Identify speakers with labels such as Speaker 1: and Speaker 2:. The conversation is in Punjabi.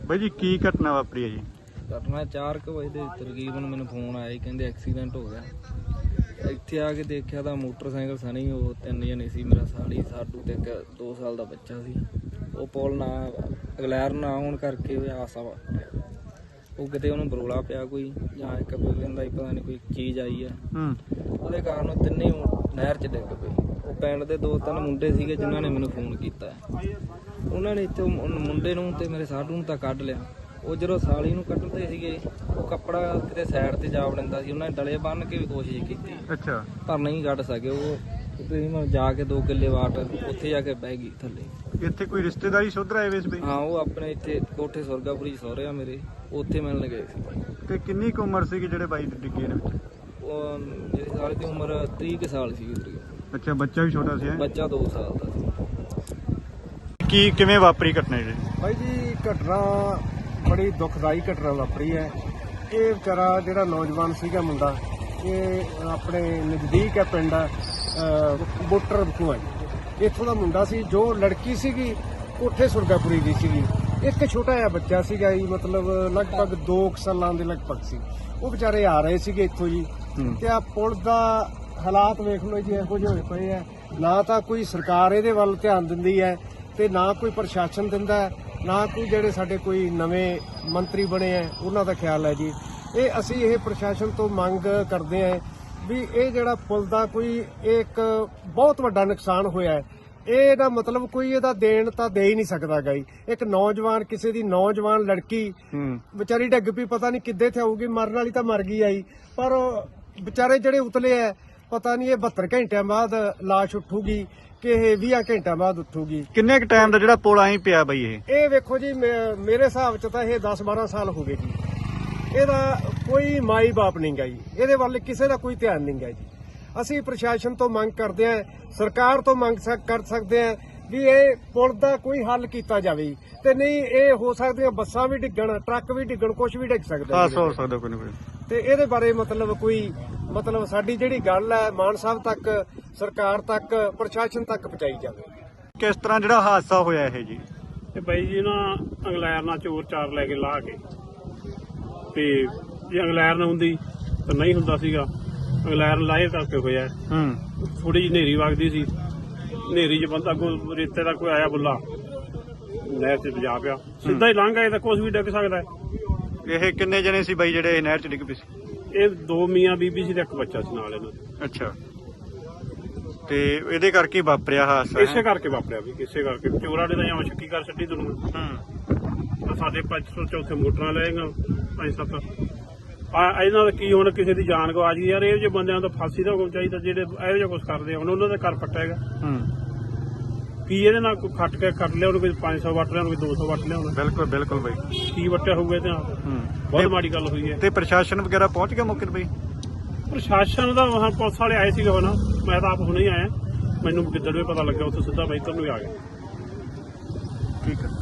Speaker 1: ਬਾਈ ਜੀ ਕੀ ਘਟਨਾ ਵਾਪਰੀ ਹੈ ਜੀ?
Speaker 2: ਘਟਨਾ 4 ਵਜੇ ਦੇ ਤਕਰੀਬਨ ਮੈਨੂੰ ਫੋਨ ਆਇਆ, ਕਹਿੰਦੇ ਐਕਸੀਡੈਂਟ ਹੋ ਗਿਆ। ਇੱਥੇ ਆ ਕੇ ਦੇਖਿਆ ਤਾਂ ਮੋਟਰਸਾਈਕਲ ਸਣੀ, ਉਹ 3 ਜਣੇ ਸੀ, ਮੇਰਾ ਸਾਲੀ, ਸਾਡੂ ਤੇ 2 ਸਾਲ ਦਾ ਬੱਚਾ ਸੀ। ਉਹ ਪੁਲ ਨਾ ਅਗਲੈਰ ਨਾ ਹੋਣ ਕਰਕੇ ਹਾਦਸਾ ਵਾਪਰਿਆ। ਉਹ ਕਿਤੇ ਉਹਨੂੰ ਬਰੋਲਾ ਪਿਆ ਕੋਈ, ਜਾਂ ਇੱਕ ਕਹਿੰਦਾ ਪਤਾ ਨਹੀਂ ਕੋਈ ਚੀਜ਼ ਆਈ ਆ, ਉਹਦੇ ਕਾਰਨ ਉਹ ਤਿੰਨੇ ਨਹਿਰ 'ਚ ਡਿੱਗ ਪਏ। ਉਹ ਪਿੰਡ ਦੇ 2-3 ਮੁੰਡੇ ਸੀਗੇ ਜਿਨ੍ਹਾਂ ਨੇ ਮੈਨੂੰ ਫੋਨ ਕੀਤਾ। ਉਹਨਾਂ ਨੇ ਇੱਥੇ ਮੁੰਡੇ ਨੂੰ ਤੇ ਮੇਰੇ ਸਾਡੂ ਨੂੰ ਤਾਂ ਕੱਢ ਲਿਆ। ਉਹ ਜਦੋਂ ਸਾਲੀ ਨੂੰ ਕੱਢਦੇ ਸੀਗੇ, ਉਹ ਕੱਪੜਾ ਕਿਤੇ ਸਾਈਡ ਤੇ ਜਾ ਵੜਦਾ ਸੀ। ਉਹਨਾਂ ਨੇ ਡਲੇ ਬੰਨ੍ਹ ਕੇ ਵੀ ਕੋਸ਼ਿਸ਼ ਕੀਤੀ,
Speaker 1: ਅੱਛਾ,
Speaker 2: ਪਰ ਨਹੀਂ ਕੱਢ ਸਕੇ। ਉਹ ਜਾ ਕੇ 2 ਕਿੱਲੇ ਵਾਟ ਉੱਥੇ ਜਾ ਕੇ ਬਹਿ ਗਈ ਥੱਲੇ।
Speaker 1: ਇੱਥੇ ਕੋਈ ਰਿਸ਼ਤੇਦਾਰੀ ਸੁਧਰ ਆਏ ਵੇ ਸੀ?
Speaker 2: ਹਾਂ, ਉਹ ਆਪਣੇ ਇੱਥੇ ਕੋਠੇ ਸੁਰਗਾਪੁਰੀ ਸਹੁਰੇ ਆ ਮੇਰੇ, ਉੱਥੇ ਮਿਲਣ ਗਏ ਸੀ।
Speaker 1: ਤੇ ਕਿੰਨੀ ਕੁ ਉਮਰ ਸੀਗੀ ਜਿਹੜੇ ਬਾਈ ਡਿੱਗੇ ਨੇ ਵਿੱਚ?
Speaker 2: ਉਹ ਜਿਹੜੀ ਸਾਲੀ ਦੀ ਉਮਰ 30 ਸਾਲ ਸੀਗੀ।
Speaker 1: ਅੱਛਾ, ਬੱਚਾ ਵੀ ਛੋਟਾ ਸੀ?
Speaker 2: ਬੱਚਾ 2 ਸਾਲ ਦਾ ਸੀ।
Speaker 1: ਕੀ ਕਿਵੇਂ ਵਾਪਰੀ ਘਟਨਾ ਜੀ?
Speaker 3: ਬਾਈ ਜੀ ਘਟਨਾ ਬੜੀ ਦੁਖਦਾਈ ਘਟਨਾ ਵਾਪਰੀ ਹੈ। ਇਹ ਵਿਚਾਰਾ ਜਿਹੜਾ ਨੌਜਵਾਨ ਸੀਗਾ ਮੁੰਡਾ, ਇਹ ਆਪਣੇ ਨਜ਼ਦੀਕ ਹੈ ਪਿੰਡ ਬੋਟਰ ਬਖੂਆ ਜੀ, ਇੱਥੋਂ ਦਾ ਮੁੰਡਾ ਸੀ। ਜੋ ਲੜਕੀ ਸੀਗੀ ਕੋਠੇ ਸੁਰਗਾਪੁਰੀ ਦੀ ਸੀਗੀ। ਇੱਕ ਛੋਟਾ ਜਿਹਾ ਬੱਚਾ ਸੀਗਾ ਜੀ, ਮਤਲਬ ਲਗਭਗ 2 ਸਾਲਾਂ ਦੇ ਲਗਭਗ ਸੀ। ਉਹ ਵਿਚਾਰੇ ਆ ਰਹੇ ਸੀਗੇ ਇੱਥੋਂ ਜੀ, ਤੇ ਆ ਪੁਲ ਦਾ ਹਾਲਾਤ ਵੇਖ ਲਓ ਜੀ, ਇਹੋ ਜਿਹੇ ਹੋਏ ਪਏ ਆ। ਨਾ ਤਾਂ ਕੋਈ ਸਰਕਾਰ ਇਹਦੇ ਵੱਲ ਧਿਆਨ ਦਿੰਦੀ ਹੈ, ਤੇ ਨਾ ਕੋਈ ਪ੍ਰਸ਼ਾਸਨ ਦਿੰਦਾ, ਨਾ ਕੋਈ ਜਿਹੜੇ ਸਾਡੇ ਕੋਈ ਨਵੇਂ ਮੰਤਰੀ ਬਣੇ ਆ ਉਹਨਾਂ ਦਾ ਖਿਆਲ ਹੈ ਜੀ। ਅਸੀਂ ਇਹ ਪ੍ਰਸ਼ਾਸਨ ਤੋਂ ਮੰਗ ਕਰਦੇ ਆ ਵੀ ਇਹ ਜਿਹੜਾ ਪੁਲ ਦਾ ਕੋਈ ਇੱਕ ਬਹੁਤ ਵੱਡਾ ਨੁਕਸਾਨ ਹੋਇਆ ਹੈ, ਇਹਦਾ ਮਤਲਬ ਕੋਈ ਇਹਦਾ ਦੇਣ ਤਾਂ ਦੇ ਹੀ ਨਹੀਂ ਸਕਦਾ ਗਾ ਜੀ। ਇੱਕ ਨੌਜਵਾਨ, ਕਿਸੇ ਦੀ ਨੌਜਵਾਨ ਲੜਕੀ ਵਿਚਾਰੀ ਡਿੱਗ ਪਈ, ਪਤਾ ਨਹੀਂ ਕਿੱਦੇ ਤੇ ਆਊਗੀ, ਮਰਨ ਵਾਲੀ ਤਾਂ ਮਰ ਗਈ ਆਈ, ਪਰ ਵਿਚਾਰੇ ਜਿਹੜੇ ਉਤਲੇ ਆ, ਪਤਾ ਨਹੀਂ ਇਹ 72 ਘੰਟਿਆਂ ਬਾਅਦ ਲਾਸ਼ ਉੱਠੂਗੀ ਕਿ ਇਹ 20 ਘੰਟਿਆਂ ਬਾਅਦ ਉੱਠੂਗੀ।
Speaker 1: ਕਿੰਨੇ ਕੁ ਟਾਈਮ ਦਾ ਜਿਹੜਾ ਪੁਲ ਆਈ ਪਿਆ ਬਾਈ?
Speaker 3: ਇਹ ਵੇਖੋ ਜੀ, ਮੇਰੇ ਹਿਸਾਬ ਚ ਤਾਂ ਇਹ 10-12 ਸਾਲ ਹੋ ਗਏ ਜੀ। ਇਹਦਾ ਕੋਈ ਮਾਈ ਬਾਪ ਨਹੀਂ ਗਾ ਜੀ, ਇਹਦੇ ਵੱਲ ਕਿਸੇ ਦਾ ਕੋਈ ਧਿਆਨ ਨਹੀਂ ਗਾ ਜੀ। ਅਸੀਂ ਪ੍ਰਸ਼ਾਸਨ ਤੋਂ ਮੰਗ ਕਰਦੇ ਆਂ, ਸਰਕਾਰ ਤੋਂ ਮੰਗ ਕਰ ਸਕਦੇ ਆਂ ਵੀ ਇਹ ਪੁਲ ਦਾ ਕੋਈ ਹੱਲ ਕੀਤਾ ਜਾਵੇ। ਤੇ ਨਹੀਂ ਇਹ ਹੋ ਸਕਦੀਆਂ ਬੱਸਾਂ ਵੀ ਡਿੱਗਣ, ਟਰੱਕ ਵੀ ਡਿੱਗਣ, ਕੁਝ ਵੀ ਡਿੱਗ ਸਕਦਾ
Speaker 1: ਹੋ ਸਕਦਾ ਕੋਈ ਨਾ ਕੋਈ।
Speaker 3: ਤੇ ਇਹਦੇ ਬਾਰੇ ਮਤਲਬ ਸਾਡੀ ਜਿਹੜੀ ਗੱਲ ਹੈ ਮਾਨ ਸਾਹਿਬ ਤੱਕ, ਸਰਕਾਰ ਤੱਕ, ਪ੍ਰਸ਼ਾਸਨ ਤੱਕ ਪਹੁੰਚਾਈ ਜਾਵੇ।
Speaker 1: ਕਿਸ ਤਰ੍ਹਾਂ ਜਿਹੜਾ ਹਾਦਸਾ ਹੋਇਆ ਇਹ ਜੀ?
Speaker 4: ਤੇ ਬਾਈ ਜੀ ਨਾ ਇੰਗਲੈਂਡ ਨਾਲ ਚੋਰ ਚਾਰ ਲੈ ਕੇ ਲਾ ਕੇ, ਤੇ ਜੇ ਇੰਗਲੈਂਡ ਨਾ ਹੁੰਦੀ ਤਾਂ ਨਹੀਂ ਹੁੰਦਾ ਸੀਗਾ। ਇੰਗਲੈਂਡ ਲਾਏ ਕਰਕੇ ਹੋਇਆ। ਥੋੜੀ ਜਿਹੀ ਹਨੇਰੀ ਵਗਦੀ ਸੀ, ਹਨੇਰੀ 'ਚ ਬੰਦਾ ਕੋਈ ਰੇਤੇ ਦਾ ਕੋਈ ਆਇਆ ਬੁੱਲਾ, ਨਹਿਰ 'ਚ ਵਜਾ ਪਿਆ, ਸਿੱਧਾ ਹੀ ਲੰਘ ਆਏ ਤਾਂ ਕੁਛ ਵੀ ਡਿੱਗ ਸਕਦਾ।
Speaker 1: ਇਹ ਕਿੰਨੇ ਜਣੇ ਸੀ ਬਾਈ ਜਿਹੜੇ ਨਹਿਰ 'ਚ ਡਿੱਗ ਪਏ ਸੀ?
Speaker 4: ਇਹ 2 ਮੀਆਂ ਬੀਬੀ ਸੀ ਤੇ ਇੱਕ ਬੱਚਾ ਸੀ ਨਾਲ ਇਹਨਾਂ ਦੇ।
Speaker 1: ਅੱਛਾ, ਤੇ ਇਹਦੇ ਕਰਕੇ ਵਾਪਰਿਆ ਹਾਦਸਾ?
Speaker 4: ਇਸੇ ਕਰਕੇ ਵਾਪਰਿਆ ਵੀ, ਕਿਸੇ ਕਰਕੇ ਚੋਰਾਂ ਨੇ ਤਾਂ ਜਾਂ ਸ਼ੱਕੀ ਕਰ ਛੱਡੀ ਦੁਨੀਆ। ਸਾਡੇ 500 ਚੌਥੇ ਮੋਟਰਾਂ ਲਏਗਾ 5-7। ਇਹਨਾਂ ਦਾ ਕੀ ਹੁਣ ਕਿਸੇ ਦੀ ਜਾਨ ਗਵਾ ਗਈ ਯਾਰ। ਇਹੋ ਜਿਹੇ ਬੰਦਿਆਂ ਤੋਂ ਫਾਂਸੀ ਦਾ ਹੁਕਮ ਚਾਹੀਦਾ ਜਿਹੜੇ ਇਹੋ ਜਿਹਾ ਕੁਛ ਕਰਦੇ। ਹੁਣ ਉਹਨਾਂ ਦਾ ਘਰ ਪੱਟੇਗਾ ਕੀ ਇਹਦੇ ਨਾਲ? ਕੋਈ ਖੱਟ ਕੇ ਕੱਟ ਲਿਆ ਉਹਨੂੰ, ਕੋਈ 500 ਵੱਟ ਲਿਆ, ਕੋਈ 200 ਵੱਟ ਲਿਆ।
Speaker 1: ਬਿਲਕੁਲ ਬਿਲਕੁਲ ਬਾਈ,
Speaker 4: ਕੀ ਵੱਟਿਆ ਹੋਊਗਾ ਇਹਦੇ ਨਾਲ? ਬਹੁਤ ਮਾੜੀ ਗੱਲ ਹੋਈ ਹੈ।
Speaker 1: ਤੇ ਪ੍ਰਸ਼ਾਸਨ ਵਗੈਰਾ ਪਹੁੰਚ ਗਿਆ ਮੌਕੇ ਤੇ ਬਾਈ?
Speaker 4: ਪ੍ਰਸ਼ਾਸਨ ਦਾ ਪੁਲਿਸ ਵਾਲੇ ਆਏ ਸੀਗੇ, ਹੁਣ ਮੈਂ ਤਾਂ ਆਪ ਹੁਣੇ ਹੀ ਆਇਆ। ਮੈਨੂੰ ਕਿੱਦਣ ਵੀ ਪਤਾ ਲੱਗਿਆ, ਉੱਥੇ ਸਿੱਧਾ ਬਾਈਕਰ ਨੂੰ ਆ ਗਿਆ।
Speaker 1: ਠੀਕ ਹੈ।